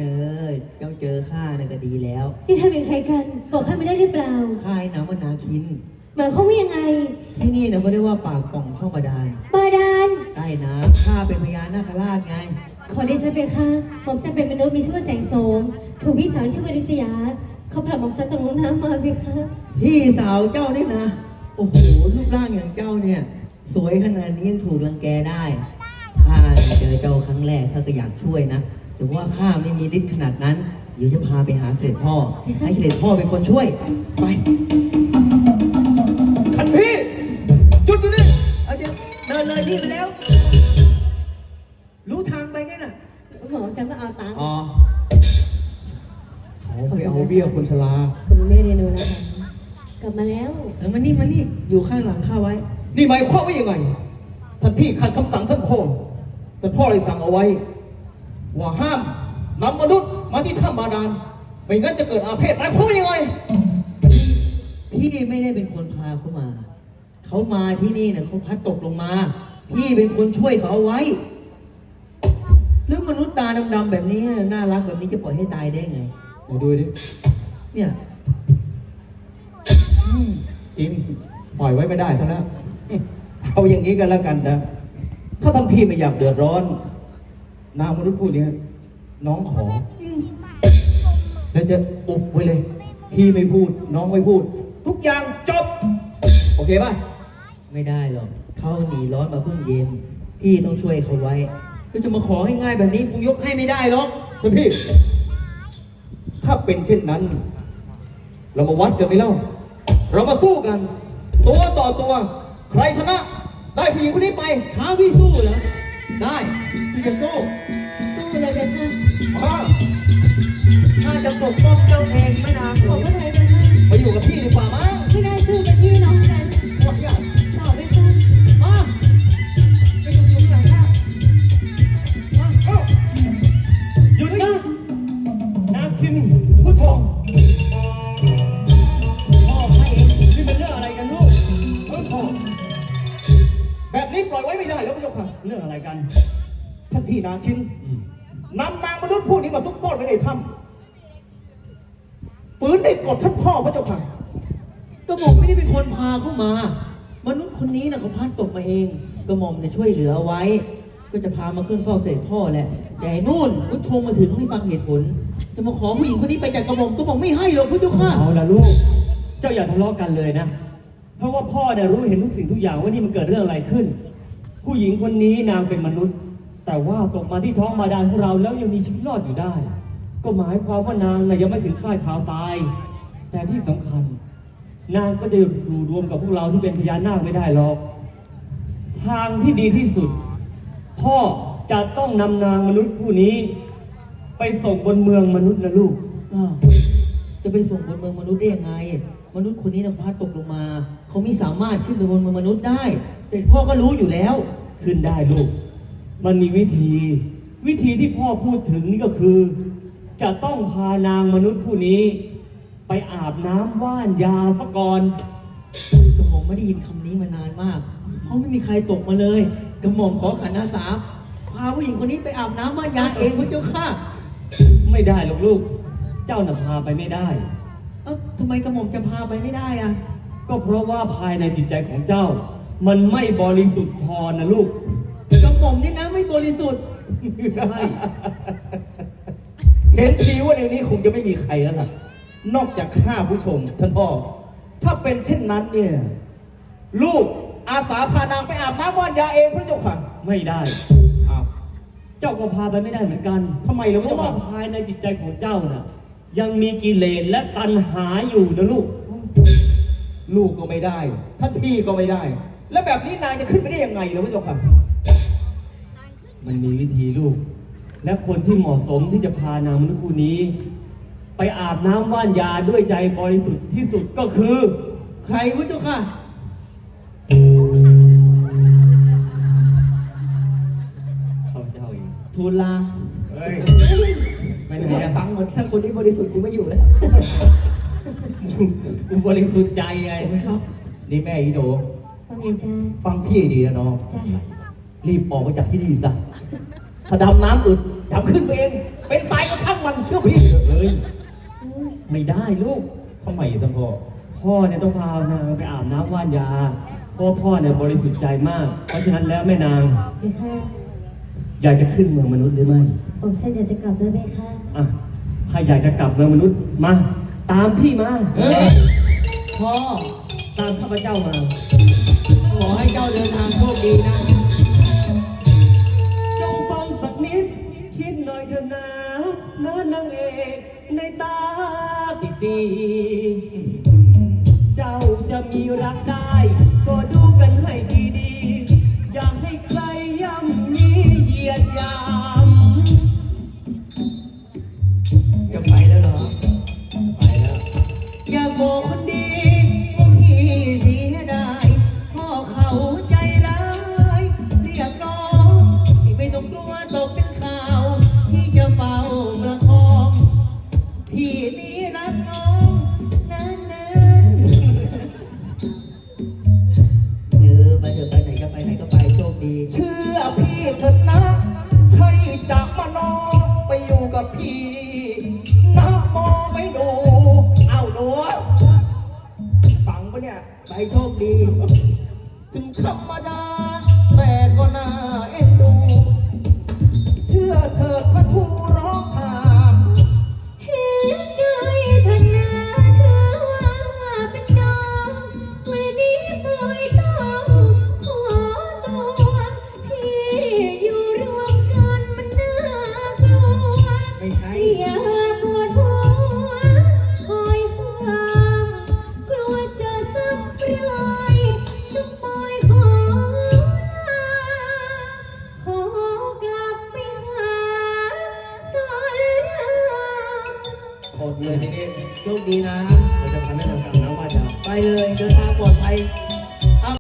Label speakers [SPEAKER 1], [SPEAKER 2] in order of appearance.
[SPEAKER 1] เจ้าเจอข้าน่ะก็ดีแล้ว
[SPEAKER 2] ที่ทำเป็นใครกันบอกข้าไม่ได้หรือเปล่า
[SPEAKER 1] ข้าไอ้น้ำมันนาคิน
[SPEAKER 2] หมายความว่ายังไง
[SPEAKER 1] ที่นี่เนี่ยเขาเรียกว่าปากป่องช่องบาดาล
[SPEAKER 2] บาดาล
[SPEAKER 1] ใต้น้ำข้าเป็นพญานาคราชไง
[SPEAKER 2] ขอเรียนฉันเป็นค่ะหม่อมฉันเป็นมนุษย์มีชื่อว่าแสงโสมถูกพี่สาวชื่อว่าดิษยาเขาผลักหม่อมฉันตกลงน้ำมาพี่ค่ะ
[SPEAKER 1] พี่สาวเจ้าเนี่ยนะ โอ้โหรูปร่างอย่างเจ้าเนี่ย สวยขนาดนี้ยังถูกรังแกได้ข้าเจอเจ้าครั้งแรกข้าก็อยากช่วยนะแต่ว่าข้าไม่มีฤทธิ์ขนาดนั้นเดี๋ยวจะพาไปหาเสด็จพ่อให้เสด็จพ่อเป็นคนช่วยไปขันพี่จุดอยู่นี่เอาเดี๋ยวเดินเลยนี่ไปแล้ว รู้ทางไปไงน่ะ
[SPEAKER 2] หม่อมฉันมาเอาตังค์
[SPEAKER 1] อ๋อเขาไปเอาเบี้ยคนชรา
[SPEAKER 2] คุณแม่เรียนรู้นะคะกลับมาแล้ว
[SPEAKER 1] มานี่อยู่ข้างหลังข้าไว้
[SPEAKER 3] นี่หมายความว่ายังไง ท่านพี่ขัดคำสั่งท่านพ่อท่านพ่อเลยสั่งเอาไว้ ว่าห้ามนำมนุษย์มาที่ถ้ำบาดาลไม่งั้นจะเกิดอาเพศหมายความว่ายังไง
[SPEAKER 1] พี่ไม่ได้เป็นคนพาเขามา เขามาที่นี่เนี่ยเขาพัดตกลงมา พี่เป็นคนช่วยเขาเอาไว้แล้วมนุษย์ตาดำๆแบบนี้น่ารักแบบนี้จะปล่อยให้ตายได้ไง
[SPEAKER 3] ไหนดูดิ
[SPEAKER 1] เนี่ย
[SPEAKER 3] จริงปล่อยไว้ไม่ได้ซะแล้ว เอาอย่างนี้กันแล้วกันนะ ถ้าท่านพี่ไม่อยากเดือดร้อน นางมนุษย์ผู้นี้น้องขอแล้วจะอุบไว้เลย พี่ไม่พูด น้องไม่พูด ทุกอย่างจบ โอเคป่ะ
[SPEAKER 1] ไม่ได้หรอกเขาหนีร้อนมาเพิ่งเย็น พี่ต้องช่วยเขาไว้ ก็จะมาของ่ายๆแบบนี้คงยกให้ไม่ได้หรอก
[SPEAKER 3] ท่านพี่ ถ้าเป็นเช่นนั้น เรามาวัดกันไหมเล่า เรามาสู้กัน ตัวต่อตัว ใครชนะ ได้ผู้หญิงคนนี้ไป
[SPEAKER 1] ท้าพี่สู้เหรอ ได้พี่จะสู้
[SPEAKER 2] สู้เลยเลยค่ะ
[SPEAKER 3] มา
[SPEAKER 1] ข้าจะปกป้องเจ้าเองไม่นาน
[SPEAKER 2] ขอพระไทยเลยค่ะ
[SPEAKER 3] มาอยู่กับพี่ดีกว่ามั้ง
[SPEAKER 2] ไม่ได้สู้เป็นพี่น้องกัน
[SPEAKER 3] หมดอย่าง
[SPEAKER 2] ต่อไปค่ะ
[SPEAKER 3] มาไปอยู่ข้างหลังข้ามาเอ้า
[SPEAKER 4] หยุดนะนาคินผู้ชมพ่อให้เองนี่เป็นเรื่องอะไรกันลูกพ่อ
[SPEAKER 3] แบบนี้ปล่อยไว้ไม่ได้แล้วพระเจ้าค่ะ
[SPEAKER 4] เรื่องอะไรกัน
[SPEAKER 3] ท่านพี่นาคินนำนางมนุษย์ผู้นี้มาซุกซ่อนไว้ในถ้ำฝืนได้กดท่านพ่อพระเจ้าค่ะ
[SPEAKER 1] กระหม่อมไม่ได้เป็นคนพาเข้ามา มนุษย์คนนี้นะเขาพลัดตกมาเอง กระหม่อมเนี่ยช่วยเหลือเอาไว้ ก็จะพามาขึ้นเฝ้าเสด็จพ่อแหละ แต่นู่นพุทโธมาถึงไม่ฟังเหตุผล จะมาขอผู้หญิงคนนี้ไปจากกระหม่อมก็บอกไม่ให้หรอกพุทธค่ะ
[SPEAKER 4] เอาละลูก เจ้าอย่าทะเลาะกันเลยนะ เพราะว่าพ่อเนี่ยรู้เห็นทุกสิ่งทุกอย่างว่านี่มันเกิดเรื่องอะไรขึ้น ผู้หญิงคนนี้นางเป็นมนุษย์ แต่ว่าตกมาที่ท้องบาดาลของเราแล้วยังมีชีวิตรอดอยู่ได้ ก็หมายความว่านางน่ะยังไม่ถึงคาดข่าวตาย แต่ที่สำคัญ นางก็จะอยู่รวมกับพวกเราที่เป็นพญานาคไม่ได้หรอก ทางที่ดีที่สุด พ่อจะต้องนำนางมนุษย์ผู้นี้ ไปส่งบนเมืองมนุษย์นะลูก
[SPEAKER 1] อ้าวจะไปส่งบนเมืองมนุษย์ได้ยังไง มนุษย์คนนี้นะพลัดตกลงมา เขาไม่สามารถขึ้นไปบนเมืองมนุษย์ได้ แต่พ่อก็รู้อยู่แล้ว
[SPEAKER 4] ขึ้นได้ลูก มันมีวิธี วิธีที่พ่อพูดถึงนี่ก็คือ จะต้องพานางมนุษย์ผู้นี้ ไปอาบน้ำว่านยาซะก่อน
[SPEAKER 1] กระหม่อมไม่ได้ยินคำนี้มานานมาก เพราะไม่มีใครตกมาเลย กระหม่อมขอขันอาสาพาผู้หญิงคนนี้ไปอาบน้ำม่านยาเองพระเจ้าค่ะ
[SPEAKER 4] ไม่ได้หรอกลูก เจ้าน่ะพาไปไม่ได้
[SPEAKER 1] เอ้าทำไมกระหม่อมจะพาไปไม่ได้อะ
[SPEAKER 4] ก็เพราะว่าภายในจิตใจของเจ้า มันไม่บริสุทธิ์พอนะลูก
[SPEAKER 1] กระหม่อมนี่นะไม่บริสุทธิ์
[SPEAKER 4] ใช่
[SPEAKER 3] เห็นทีว่าในนี้คงจะไม่มีใครแล้วล่ะ นอกจากข้าผู้ชมท่านพ่อ ถ้าเป็นเช่นนั้นเนี่ย ลูกอาสาพานางไปอาบน้ำว่านยาเองพระเจ้าค่ะ
[SPEAKER 4] ไม่ได้
[SPEAKER 3] อ้าว
[SPEAKER 4] เจ้าก็พาไปไม่ได้เหมือนกัน
[SPEAKER 3] ทำไมล่ะ
[SPEAKER 4] เพ
[SPEAKER 3] พระ
[SPEAKER 4] ราะ
[SPEAKER 3] เจ้า
[SPEAKER 4] ว่า
[SPEAKER 3] ค่ะ
[SPEAKER 4] ภายในจิตใจของเจ้าน่ะ ยังมีกิเลสและตัณหาอยู่นะลูก
[SPEAKER 3] ลูกก็ไม่ได้ ท่านพี่ก็ไม่ได้ แล้วแบบนี้นางจะขึ้นไปได้ยังไงล่ะพระเจ้าค่ะ
[SPEAKER 4] มันมีวิธีลูก และคนที่เหมาะสมที่จะพานางมนุษย์ผู้นี้ ไปอาบน้ำว่านยาด้วยใจบริสุทธิ์ที่สุดก็คือ
[SPEAKER 1] ใครพระเจ้าค่ะ
[SPEAKER 4] เขาเจ้าเอง
[SPEAKER 1] ทูลลา
[SPEAKER 4] เฮ้ยไปไหน
[SPEAKER 1] ไม่
[SPEAKER 4] อะ
[SPEAKER 1] ฟังหมดถ้าคนนี้บริสุทธิ์กูไม่อยู่แล้ว
[SPEAKER 4] กูบริสุทธิ์ใจไง
[SPEAKER 1] ครับ
[SPEAKER 3] นี่แม่อีโด
[SPEAKER 2] ฟังไงจ้า
[SPEAKER 3] ฟังพี่ให้ดีนะน้อง
[SPEAKER 2] จ้า
[SPEAKER 3] รีบออกมาจากที่นี่ซะถ้าดำน้ำอึดดำขึ้นไปเอง เป็นตายก็ช่างมันเชื่อพี่
[SPEAKER 4] เฮ้ยไม่ได้ลูก
[SPEAKER 3] ทำไมท่านพ่อ
[SPEAKER 4] พ่อเนี่ยต้องพานางไปอาบน้ำว่านยาเพราะว่าพ่อเนี่ยบริสุทธิ์ใจมาก เพราะฉะนั้นแล้วแม่นาง
[SPEAKER 2] เพคะ
[SPEAKER 4] อยากจะขึ้นเมืองมนุษย์หรือไม่
[SPEAKER 2] ผมฉันอยากจะกลับแล้วเพคะ
[SPEAKER 4] อ่ะถ้าอยากจะกลับเมืองมนุษย์มา ตามพี่มา
[SPEAKER 1] พ่อ
[SPEAKER 4] ตามข้าพเจ้ามา
[SPEAKER 1] ขอให้เจ้าเดินทางโชคดีนะ
[SPEAKER 4] จงฟังสักนิด คิดหน่อยเถอะนะนางเอกในตาติตีเจ้าจะมีรักได้ ก็ดูกันให้ดีๆ อย่าให้ใครย่ำยีเหยียดหยาม
[SPEAKER 1] จะไปแล้วเหรอ
[SPEAKER 4] ไปแล้ว
[SPEAKER 1] อยากบอกคนดีว่าพี่เสียดายพ่อเขาใจร้ายเรียกร้องที่ไม่ต้องกลัวตกเป็นข่าวที่จะเฝ้าประคองพี่นี้รักน้องนั้นเออไปเถอะไปไหนก็ไปไหนก็ไปโชคดี
[SPEAKER 3] เชื่อพี่เถอะนะ ใช่จะมานอนไปอยู่กับพี่นะมองไม่ดู เอ้าหนูฟังปะเนี่ย
[SPEAKER 1] ไปโชคดี
[SPEAKER 3] ถึงธรรมดา แต่ก็น่าเอ็นดู เชื่อเถิดพระทูร้องถาม
[SPEAKER 2] เห็นใจเธอนะเธอว่าเป็นน้องวันนี้ปล่อยต้องขอตัวพี่อยู่รวมกันมันน่ากลัว
[SPEAKER 1] ไม่ใช่
[SPEAKER 2] อย่าปวดหัวคอยห้ามกลัวจะซ้ำรอยน้องปอยขอลาขอกลับไปหาสอนราม
[SPEAKER 3] หมดเลยทีนี้
[SPEAKER 1] โชคดีนะ
[SPEAKER 4] เราจะพาแม่นางกลับน้ำว่าจะ
[SPEAKER 1] ไปเลยเดินทางปลอดภัย